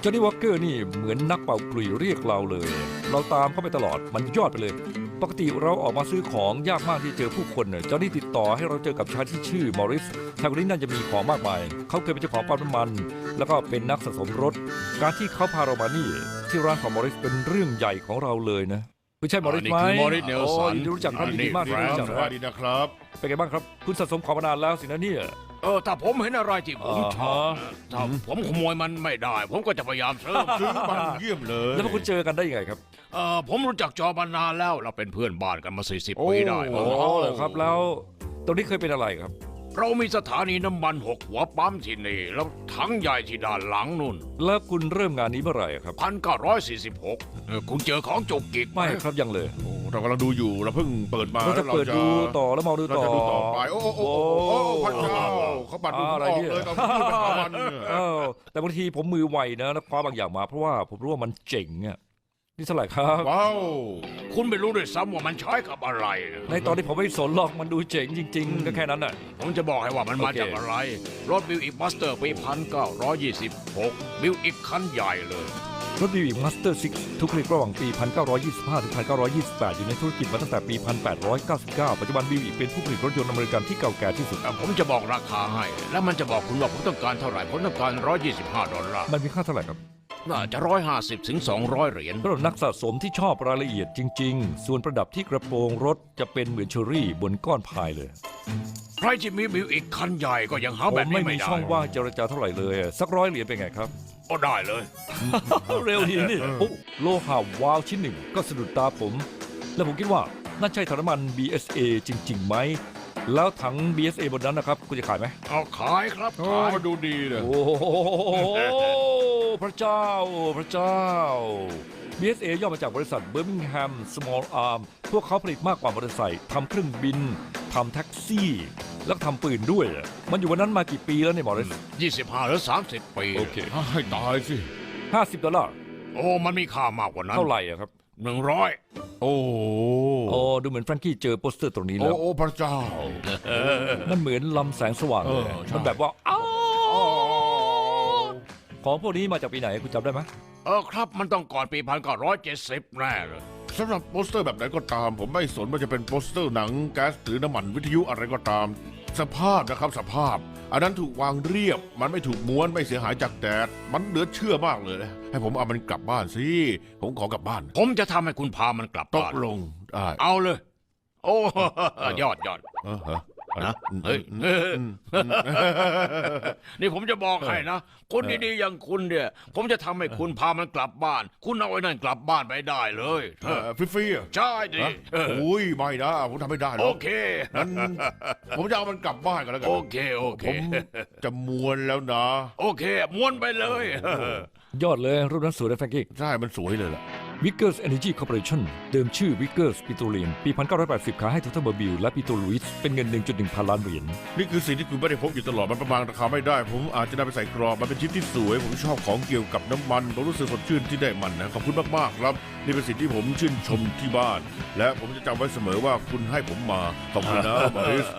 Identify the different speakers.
Speaker 1: จอห์นนี่วอคเกอร์นี่เหมือนนักเป่ากลุ่ยเรียกเราเลย เราตามเข้าไปตลอดมันยอดไปเลย ปกติเราออกมาซื้อของยากมากที่เจอผู้คนจอห์นนี่ติดต่อให้เราเจอกับชายที่ชื่อมอริสชายคนนี้น่าจะมีของมากมายเขาเคยเป็นเจ้าของปั๊มน้ำมันแล้วก็เป็นนักสะสมรถการที่เขาพาเรามานี่ที่ร้านของมอริสเป็นเรื่องใหญ่ของเราเลยนะไม่ใช่มอริสไหม
Speaker 2: นี่คือมอริสเนลสัน
Speaker 1: โอ้รู้จักครับยินดีมากที่รู้จัก
Speaker 3: สวัสดีนะครับ
Speaker 1: เป็นไงบ้างครับคุณสะสมของมานานแล้วสินะเนี่ย
Speaker 2: ถ้าผมเห็นอะไรที่ผมชอบ
Speaker 1: อ่าฮะ
Speaker 2: ถ้าผมขโมยมันไม่ได้ ผมก็จะพยายามซื้อ
Speaker 3: ซื้อมันเยี่ยมเลย
Speaker 1: แล้วพวกคุณเจอกันได้ยังไงครับ
Speaker 2: ผมรู้จักจอมานานแล้วเราเป็นเพื่อนบ้านกันมา40 ปีได้
Speaker 1: โอ้เหรอครับแล้วตรงนี้เคยเป็นอะไรครับ
Speaker 2: เรามีสถานีน้ำมัน6 หัวปั๊มที่นี่แล้วถังใหญ่ที่ด้านหลังนู่น
Speaker 1: แล้วคุณเริ่มงานนี้เมื่อไหร่ครับ
Speaker 2: 1946คุณเจอของจุกกิกไหม
Speaker 1: ไม่ครับยังเลย
Speaker 3: โอ้เรากำลังดูอยู่เราเพิ่งเปิดมา
Speaker 1: เราจะเปิดดูต่อแล้วมองดู
Speaker 3: เรา
Speaker 1: ต่อ
Speaker 3: จะดูต่อไปโอ้พระเจ้าเขาปัดดูออกเลยตอนที่ไปหามันเนี่ย
Speaker 1: แต่บางทีผมมือไวนะแล้วคว้าบางอย่างมาเพราะว่าผมรู้ว่ามันเจ๋งอ่ะนี่เท่าไหร่ครับ
Speaker 3: ว้าว
Speaker 2: คุณไม่รู้ด้วยซ้ำว่ามันใช้กับอะไร
Speaker 1: ในตอนที่ผมไม่สนหรอกมันดูเจ๋งจริงๆก็แค่นั้นน่ะ
Speaker 2: ผมจะบอกให้ว่ามันมา
Speaker 1: โอเค
Speaker 2: จากอะไร รถบิลอีกมาสเตอร์ปี1926บิลอีกคันใหญ่เลย
Speaker 1: รถบีบีมาสเตอร์6ทุกผลิตระหว่างปี 1925 ถึง 1928 อยู่ในธุรกิจมาตั้งแต่ปี 1899 ปัจจุบันบีบีเป็นผู้ผลิตรถยนต์อเมริกันที่เก่าแก่ที่สุด
Speaker 2: ผมจะบอกราคาให้ แล้วมันจะบอกคุณว่าผมต้องการเท่าไหร่ ผมต้องการ$125
Speaker 1: มันมีค่าเท่าไหร่ครับ
Speaker 2: น่าจะ150 ถึง 200 เหรียญ
Speaker 1: สำหรับนักสะสมที่ชอบรายละเอียดจริง ๆ ส่วนประดับที่กระโปรงรถจะเป็นเหมือนเชอรี่บนก้อนพายเลย
Speaker 2: ใครที่มีบิลอีกคันใหญ่ก็ยังหา
Speaker 1: ผ
Speaker 2: แบ
Speaker 1: ม
Speaker 2: บ
Speaker 1: ไม่
Speaker 2: นี้
Speaker 1: มี
Speaker 2: ไม่ได้
Speaker 1: ช่องว่างเจรจาเท่าไหร่เลยสัก100 เหรียญเป็นไงครับ
Speaker 2: ก็ได้เลย
Speaker 1: เร็วทีนี่โอ้โลหะวาวชิ้นหนึ่งก็สะดุดตาผม แล้วผมคิดว่านั่นใช่ถังน้ำมัน BSA จริงๆไหม แล้วถัง BSA บนนั้นนะครับ คุณจะขายไหม
Speaker 2: เอาขายครับ
Speaker 3: โอ้
Speaker 2: ขาย
Speaker 3: มาดูดีเลย
Speaker 1: โอ้โหพระเจ้า พระเจ้า BSA ย่อมาจากบริษัท Birmingham Small Arm พวกเขาผลิตมากกว่ามอเตอร์ไซค์ทำเครื่องบินทำแท็กซี่ แล้วก็ทำปืนด้วย มันอยู่วันนั้นมากี่ปีแล้วเนี่ยมอริส
Speaker 2: 25 หรือ 30 ปี
Speaker 1: โอเค
Speaker 3: ให้ตายสิ
Speaker 1: $50
Speaker 2: โอ้มันมีค่ามากกว่านั้น
Speaker 1: เท่าไหร่อะครับ
Speaker 2: 100
Speaker 3: โอ้
Speaker 1: โอ้ดูเหมือนแฟรงกี้เจอโปสเตอร์ตรงนี้แล้ว
Speaker 3: โอ้พระเจ้า
Speaker 1: มันเหมือนลำแสงสว่างเลย
Speaker 3: ใช่
Speaker 1: มันแบบว่าอ้าวของพวกนี้มาจากปีไหนคุณจำได้ไหม
Speaker 2: ครับมันต้องก่อนปี 1970 แน่เลย
Speaker 3: สำหรับโปสเตอร์แบบไหนก็ตาม ผมไม่สนว่าจะเป็นโปสเตอร์หนังแก๊สหรือน้ำมันวิทยุอะไรก็ตาม สภาพนะครับสภาพ อันนั้นถูกวางเรียบ มันไม่ถูกม้วนไม่เสียหายจากแดดมันเหลือเชื่อมากเลย ให้ผมเอามันกลับบ้านสิผมขอกลับบ้าน
Speaker 2: ผมจะทำให้คุณพามันกลับ
Speaker 3: ต
Speaker 2: บ้าก น
Speaker 3: ลงได้
Speaker 2: เอาเลย โอ้ยอด
Speaker 3: ฮะ
Speaker 2: นะเฮ้ยนี่ผมจะบอกให้นะคนดีๆอย่างคุณเนี่ย ผมจะทำให้คุณพามันกลับบ้าน คุณเอาไอ้นั่นกลับบ้านไปได้เลย
Speaker 3: ฟรีๆอ่ะ
Speaker 2: ใช่ดิ
Speaker 3: โอ้ยไม่นะผมทำไม่ได้หร
Speaker 2: โอ
Speaker 3: อก
Speaker 2: เค
Speaker 3: งั้นผมจะเอามันกลับบ้านกันแล้วกัน
Speaker 2: โอเค
Speaker 3: ผมจะมวนแล้วนะ
Speaker 2: โอเคม้วนไปเลย
Speaker 1: ยอดเลยรูปนั้นสวยนะแฟรงกี้
Speaker 3: ใช่มันสวยเลยล่ะ
Speaker 1: Vickers Energy Corporation เดิมชื่อ Vickers Petroleum ปี 1980 ขายให้ทูเทอร์เบอร์บิลและปิโตรลุยส์เป็นเงิน 1.1 พันล้านเหรียญ
Speaker 3: นี่คือสิ่งที่คุณไม่ได้พบอยู่ตลอดมันประมาณราคาไม่ได้ ผมอาจจะนำไปใส่กรอบมันเป็นชิ้นที่สวย ผมชอบของเกี่ยวกับน้ำมันผมรู้สึกสดชื่นที่ได้มันนะขอบคุณมากๆครับ นี่เป็นสิ่งที่ผมชื่นชมที่บ้าน และผมจะจำไว้เสมอว่าคุณให้ผมมาขอบคุณนะบริส